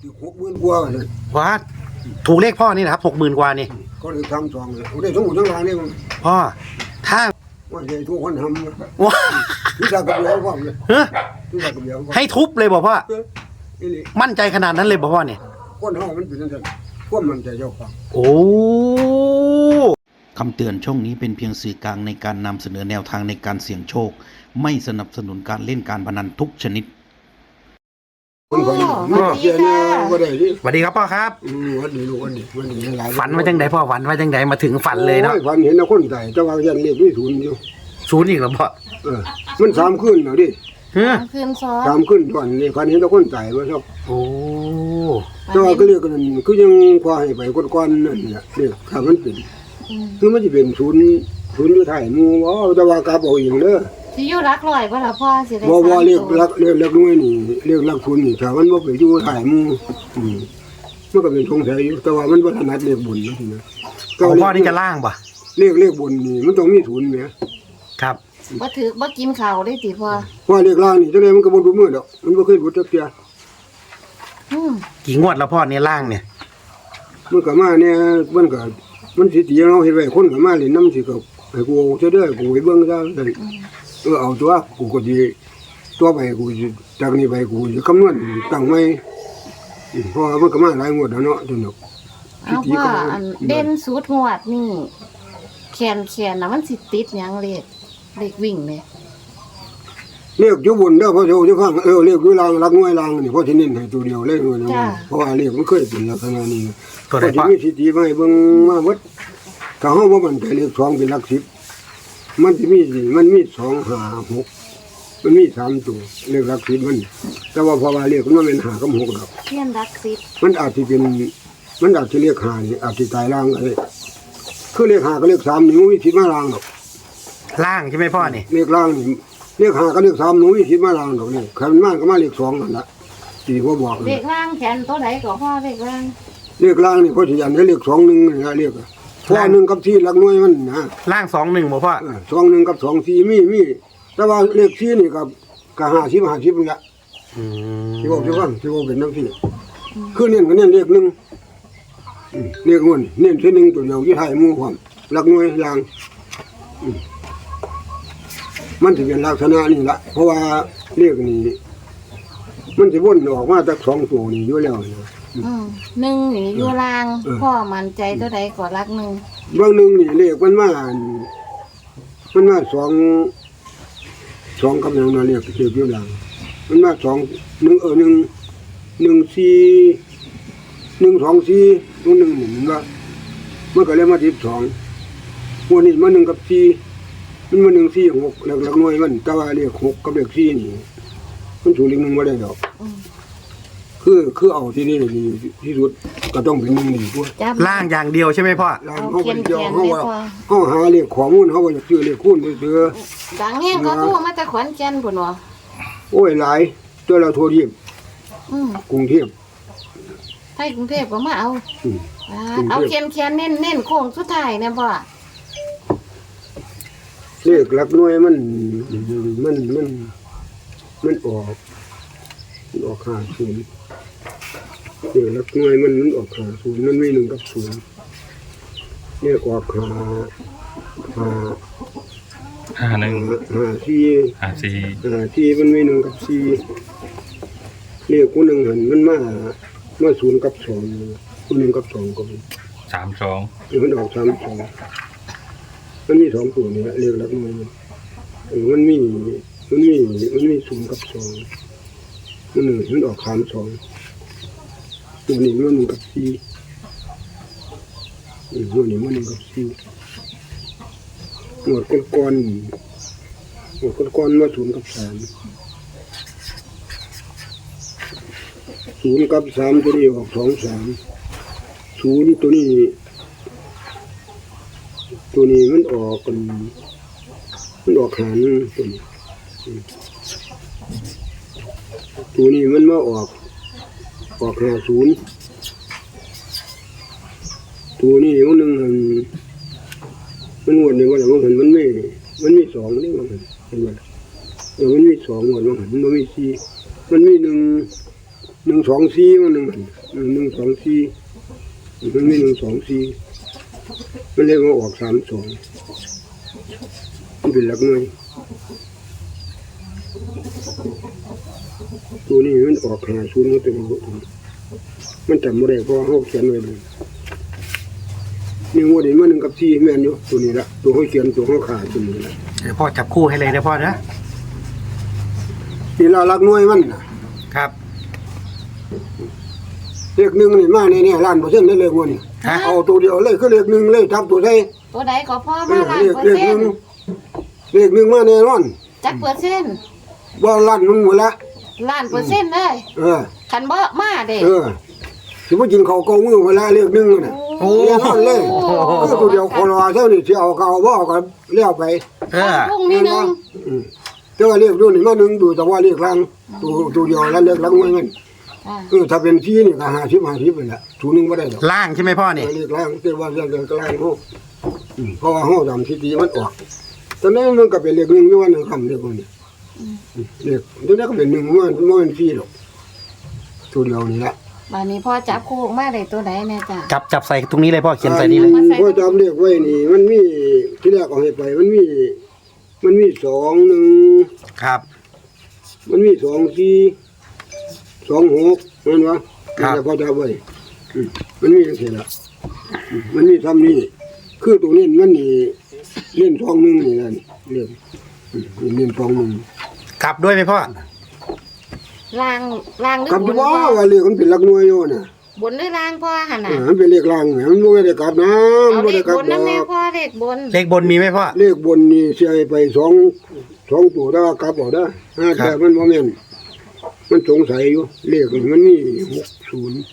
60,000 กว่าเลยว้าถูกเลขพ่อนี่นะครับ60,000 กว่านี่ก็เลยทำ2เลยได้ทั้งหมดทั้งรางนี่มันพ่อถ้าว่าใหญ่ทุกคนทำว้าทุกอย่างกับเดียวพ่อเลยทุกอย่างกับเดียวให้ทุบเลยบอกพ่อนี่มั่นใจขนาดนั้นเลยบอกพ่อเนี่ยคนห้องมันเป็นจังซั่นพวกมันใจเจ้าของโอ้คำเตือนช่องนี้เป็นเพียงสื่อกลางในการนำเสนอแนวทางในการเสี่ยงโชคไม่สนับสนุนการเล่นการพนันทุกชนิดสวัสดีครับพ่อครับวันนี้ลูกวันนี้หลายฝันว่าจังไดพ่อฝันว่าจังไดมาถึงฝันเลยเนาะฝันเห็นคนตายแต่ว่ายันเลขไม่ศูนย์อยู่ศูนย์อีกแล้วพ่อมัน3 คืนแล้วดิคืนซ้อน3 คืนก่อนนี่ฝันเห็นคนตายว่าชอบโอ้แต่ว่าก็เรียกกันคือยังพอให้ไปก้อนๆนั่นแหละเรียกถ้ามันเป็นคือมันจะเป็นศูนย์อยู่ท้ายหมู่ว่าแต่ว่ากลับเอาเองเด้อสิอยู่รักร้อยบ่ล่ะพ่อสิได้บ่เรียกรักน้อยนี่เรียกรักศูนย์นี่ถ้ามันบ่ไปอยู่ท้ายหมู่มันก็เป็นสงสัยอยู่แต่ว่ามันบ่ถนัดเลขบุญนะพ่อนี่จะล่างป่ะเลขบุญนี่มันต้องมีศูนย์แหมครับบ่กินข้าวได้ติพ่อว่าเลขล่างนี่จังได๋มันก็บ่รู้มือดอกมันบ่เคยรู้จักเที่ยกี่งวดแล้วพ่อเนี่ยล่างเนี่ยมันก็มาเนี่ยมันสิตีเฮาเฮ็ดไว้คนก็มาเล่นนำสิก็ให้กูเอาซะเด้อกูไปเบิ่งซะซั่นเอาตัวกูก็สิตัวไปกูสิจากนี้ไปกูสิคำนวณตั้งไว้เพราะมันก็มาหลายงวดแล้วเนาะจนเนาะเอาพ่อเด่นสุดงวดนี่แคนน่ะมันสิติดหยังเลขวิ่งเลยเลขอยู่บนเด้อพ่อโจจะฟังเลขอยู่ล่างรักน้อยล่างนี่พ่อสิเน้นให้ตัวเดียวเลยเพราะว่าเลขมันเคยเป็นลักษณะนี้ก็ได้มีสิทธิไว้เบิ่งมาเบิดถ้าเฮาบ่มั่นใจเลข2เป็นหลัก10มันสิมันมี2 5 6มันมี3ตัวเลขหลัก10มันแต่ว่าเพราะว่าเลขมันเป็น5กับ6ดอกเทียนหลัก10 มันอาจสิเป็นมันอาจสิเลข5นี่อาจสิตายล่างก็ได้คือเลข5กับเลข3นี่มันมีสิทธิ์มาล่างดอกล่างใช่มั้ยพ่อนี่เลขล่างนี่เลข5กับเลข3หนูมีสิทธิ์มาล่างดอกนี่คันมาก็มาเลข2นั่นล่ะที่พ่อบอกเลขล่างแขนตัวใดก็พ่อเลขล่างนี่พ่อสิยันให้เลข2 1นี่ล่ะเลขพ่อ1กับ4หลักหน่วยมันนะล่าง2 1บ่พ่อ 2 1กับ2 4มีแต่ว่าเลข4นี่ก็50นี่ล่ะที่บอกสิฟังที่บอกเป็นนำที่คือเน้นก็เน้นเลข1เลขมันเน้นที่1ตัวเดียวอยู่ท้ายหมู่พร้อมหลักหน่วยล่างมันสิเป็นลักษณะนี่ล่ะเพราะว่าเลขนี้มันสิวนออกมาจาก2ตัวนี่อยู่แล้ว 1นี่อยู่ล่างพ่อมั่นใจตัวใดก็รัก1 บางนึงนี่เลขมันมา2กับอย่างนั้นเลขอยู่ล่างมันมา2 1 1 4 1 2 4ตัว1นี่มันก็เลยมา12วันนี้มา1กับ4มันมา1 4 6หลักหน่วยมันแต่ว่าเลข6กับเลข4นี่มันสูงเลข1บ่ได้ดอกคือเอาที่นี่ดีที่สุดก็ต้องเป็น1นี่พุ่นล่างอย่างเดียวใช่มั้ยพ่อล่างเฮาบ่ได้เฮาหาเลขข้อมูลเฮาบ่ซื้อเลขคูณซื่อดังแฮงก็โทรมาจากขอนแก่นพุ่นว่าโอ้ยหลายตัวเราโทรเทียบกรุงเทพไทยกรุงเทพก็มาเอาแคนเน้นโค้งสุดท้ายแน่พ่อเลขหลักหน่วยมันออก50เลขหลักหน่วยมันออก50มันมี1กับ0เลขออก4มันมี1กับ4เลขกู1หั่นมันมา0กับ2กู1กับ2ก็ 32 มันออก32มันมี2ตัวนี่เลขหลักหน่วยมันมี0กับ2มันออก32ตัวนี้มัน1กับ4ตัวนี้มัน1กับ4หมดก้อนมา0กับ3 0กับ3ตัวนี้ออก2 3 0ตัวนี้มันออกหารตัวนี้มันมาออก50ตัวนี้มันนึงมันวนนี่ว่าแล้วมันมี2นี่ว่าเห็นบ่มันมี2หมดว่ามันมี4มันมี1 124มัน124มันมี124มันเลยมาออก32มันเป็นหลักหน่วยตัวนี้มันออก50มันเป็นมันจำบ่ได้เพราะเฮาเขียนไว้เลยนี่งวดนี้มา1กับ4แม่นอยู่ตัวนี้ละตัวเฮาเขียนตัวเฮาขาตัวนี้ละเดี๋ยวพ่อจับคู่ให้เลยนะพ่อนะนี่ละหลักหน่วยมันน่ะครับเลข1นี่มาแน่ๆล้านเปอร์เซ็นต์ได้เลขงวดนี้ฮะเอาตัวเดียวเลยคือเลข1เลยทับตัวใส่ตัวใดก็พ่อมาล้านเลขเปอร์เซ็นต์เลข1มาแน่นอนจักเปอร์เซ็นต์ว่าล้านมันหมดละล้านเปอร์เซ็นต์เลยเออคันบ่มาเด้สิบ่กินข้าวเกามือเวลาเลข1น่ะโอ้แน่นอนเลยคือตัวเดียวคนรอเท่านี้สิเอาก็เอาบ่เอาก็แล้วไปเออพรุ่งนี้นึงแต่ว่าเลขดูนี่มา1ดูแต่ว่าเลขล่างตัวเดียวแล้วเลขหลังหน่วยมันอ่าถ้าเป็น4นี่ก็50ไปละถูนึงบ่ได้ดอกล่างใช่ไหมพ่อนี่เลขล่างแต่ว่าเลขล่างเฮาเพราะว่าเฮาตามสิทธิมันออกตอนนั้นมันก็เป็นเลข1อยู่ว่า1คำเลขนี้เลขตัวนี้ก็เป็น1มันเป็น4หรอกตัวเดียวนี่ละบัดนี้พ่อจับคู่ออกมาได้ตัวใดแน่จ้ะจับใส่ตรงนี้เลยพ่อเขียนใส่นี่เลยพอจำเลขไว้นี่มันมีที่แรกเอาให้ไปมันมี2 1 ครับมันมี2 4 2 6นั่นวะครับแต่พอจำไว้มันมีจังซี่ล่ะมันมีซ้ำนี่คือตัวนี้มันนี่เล่น2 1นี่นั่นเล่น2 1 กลับด้วยไหมพ่อล่างหรือกับบที่นว่าพ่อว่าเลขมันเป็นหลักหน่วยอยู่น่ะบนหรือล่างพ่อหั่นน่ะมันเป็นเลขล่างมันบ่ได้กลับนะมัเอานบ่เลได้ขกลับบนดนำแน่อกพ่อเลขบนเลขบนมีไหมพ่อเลขบนนี่เสียไป2ตัวแล้วกลับเอาได้แต่มันบ่แม่นมันสงสัยอยู่เลขนี่มันมี60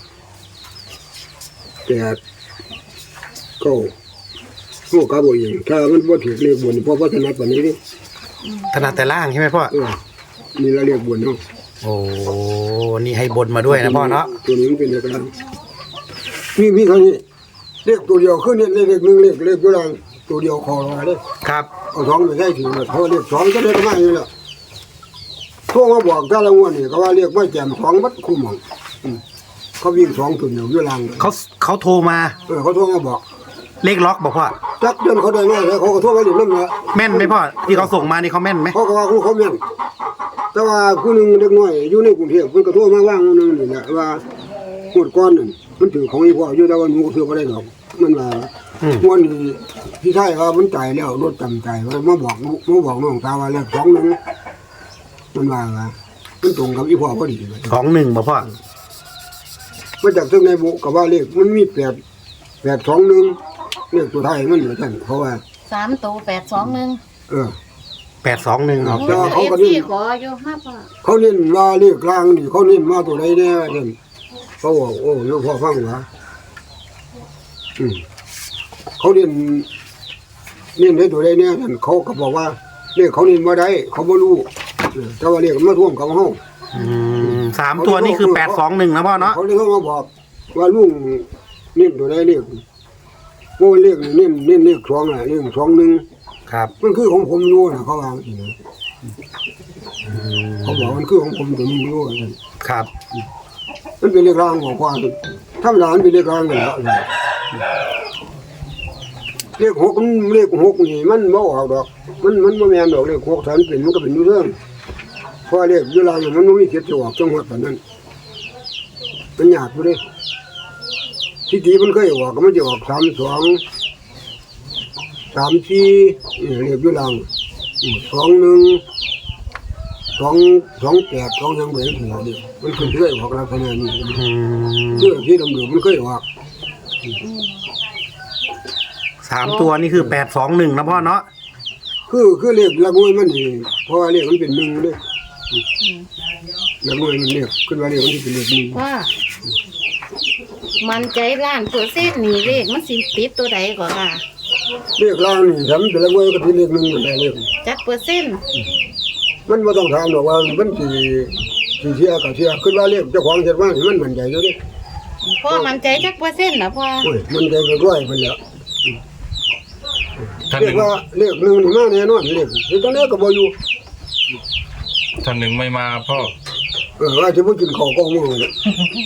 8 9โอ้กลับเอาเองถ้ามันบ่ถูกเลขบนเพราะว่าถนัดปานนี้นี่ถนัดแต่ล่างใช่ไหมพ่อนี่ละเลขบนเนาะโอ้นี่ให้บนมาด้วยนะพ่อเนาะตัวนี้มันเป็นเลขล่างมีเท่านี้เลขตัวเดียวคือเนี่ยเลข1เลขอยู่ล่างตัวเดียวคอรอเด้ครับเอา2ไปใส่ถึงเพราะเลข2ก็ได้มาอยู่แล้วโทรมาบอกแต่ละงวดนี่ก็ว่าเลขบ่แจ่ม2บัดคุ้มหมองเขาวิ่ง2ตัวเดียวอยู่ล่างเขาโทรมาเขาโทรมาบอกเลขล็อกบอกพ่อจักเดือนเขาได้มาแล้วเขาก็โทรมาเล่นนำละแม่นไหมพ่อที่เขาส่งมานี่เขาแม่นไหมเขาก็ว่าเขาแม่นแต่ว่าผู้หนึงเด็กน้อยอยู่ในกรุงเทพเพิ่นก็โทรมาว่างนึงนี่แหละว่าหมดก่อนนั่นมันถือของอีพ่ออยู่แต่ว่าหนูซื้อบ่ได้ดอกมันว่าม่วนนี่พี่ชายว่ามันตายแล้วรถจำตายว่ามาบอกน้องสาวว่าเลข2นึงมันว่ามันตรงกับอีพ่อพอดีเลย 21บอกพ่อมาจากซึ่งในบุกับว่าเลขมันมี821เลขตัวไทยมันเหมือนกันเพราะว่า 3ตัว821 821 ครับโอ้เอฟซีขออยู่มาพ่อเขาเน้นว่าเลขกลางนี่เขาเน้นมาตัวใดแน่เด่นเขาบอกโอ้ยกพ่อฟังหว่าเขาเน้นได้ตัวใดแน่ท่านเขาก็บอกว่าเลขเขาเน้นมาได้เขาบ่รู้แต่ว่าเลขมันมาท่วมกับเฮา 3 ตัวนี่คือ821นะพ่อเนาะเขาเลยเขามาบอกว่าลุงเน้นตัวใดเลขโอ้เลขนี่เน้นเลข2น่ะเลข21 ครับมันคือของผมอยู่นะเขาวางอีกนะเขาบอกมันคือของผมแต่มันรู้กันครับมันเป็นเลขรางของความถ้ามันเป็นเลขรางกันแล้วเลข6มันเลข6นี่มันบ่ออกดอกมันบ่แม่นดอกเลข6ถ้ามันเป็นมันก็เป็นอยู่เรื่องเพราะเลขอยู่รางมันบ่มีเสียจะออกจังหวัดปานนั้นมันยากอยู่เด้ที่ดีมันเคยออกก็มันจะออก32 34เลขอยู่ราง21 228 2ยังบ่เห็นหัวเดียวมันขึ้นเคยออกลักษณะนี้เสื้อที่ดำๆมันเคยออก 3 ตัวนี่คือ821นะพ่อเนาะคือเลขละงวยมันนี่เพราะว่าเลขมันเป็น1เด้ละงวยมันเลขขึ้นว่าเลขมันสิเป็นเลข1 ว่ามันใจล้านเปอร์เซ็นต์นี่เลขมันสิติดตัวใดก่อนค่ะเลขล่างนี่ทำเป็นละงวยก็เป็นเลข1มันได้เลขจักเปอร์เซ็นต์มันบ่ต้องถามดอกว่ามันสิเสียก็เสียขึ้นว่าเลขเจ้าของเฮ็ดว่ามันมั่นใจอยู่เด้พ่อมันใจจักเปอร์เซ็นต์นะพ่อโอ้ยมันใจก็ร้อยเพิ่นแล้วท่านเลหขนึ่งว่าเลข1นี่มาแน่นอนเลขตอนนี้ก็บ่อยู่ท่านหนึ่งไม่มาพ่อว่าจะบ่กินข้าวก็มื้อเลย